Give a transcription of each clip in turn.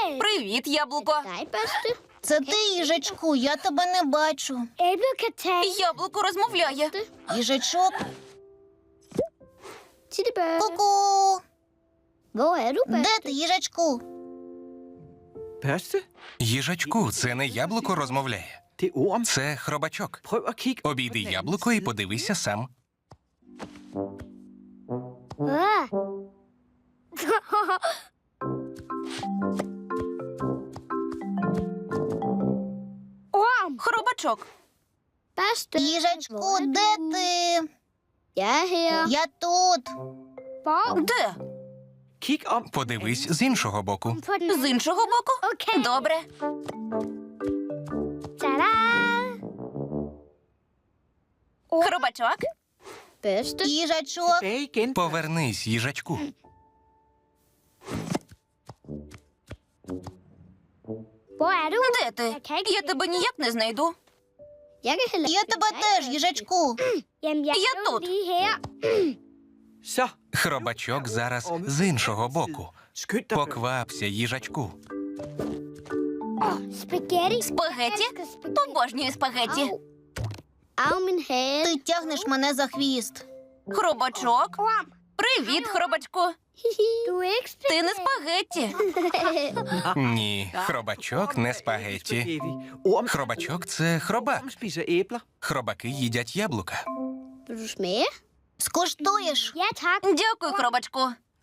Привіт, яблуко. Це ти, їжачку, я тебе не бачу. Яблуко розмовляє. Їжачок. Ку-ку. Де ти, їжачку? Børste? Їжачку, це не яблуко розмовляє. Det er orm. Це хробачок. Prøv at kigge. Обійди яблуко і подивися сам. Хробачок. Їжачку, де ти? Я тут. Де? Kig om. Подивись з іншого боку. З іншого боку? Добре. Хробачок. Їжачок. Tilbage igen. Повернись, їжачку. Де ти? Я тебе ніяк не знайду. Я тебе теж, їжачку. Я тут. Så. Хробачок зараз з іншого боку. Skynd dig. Поквапся, їжачку. Спагеті? Обожнюю спагеті. Ти тягнеш мене за хвіст. Хробачок. Привіт, хробачку. Ти не спагетті. Ні, хробачок не спагетті. Spaghetti. Orm. Хробачок – це хробак. Orm spiser æbler. Хробаки їдять яблука. Скуштуєш? Дякую, хробачку.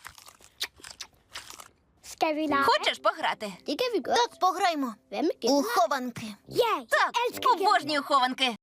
Хочеш пограти? Так, пограймо. У хованки. Так, обожнюю хованки.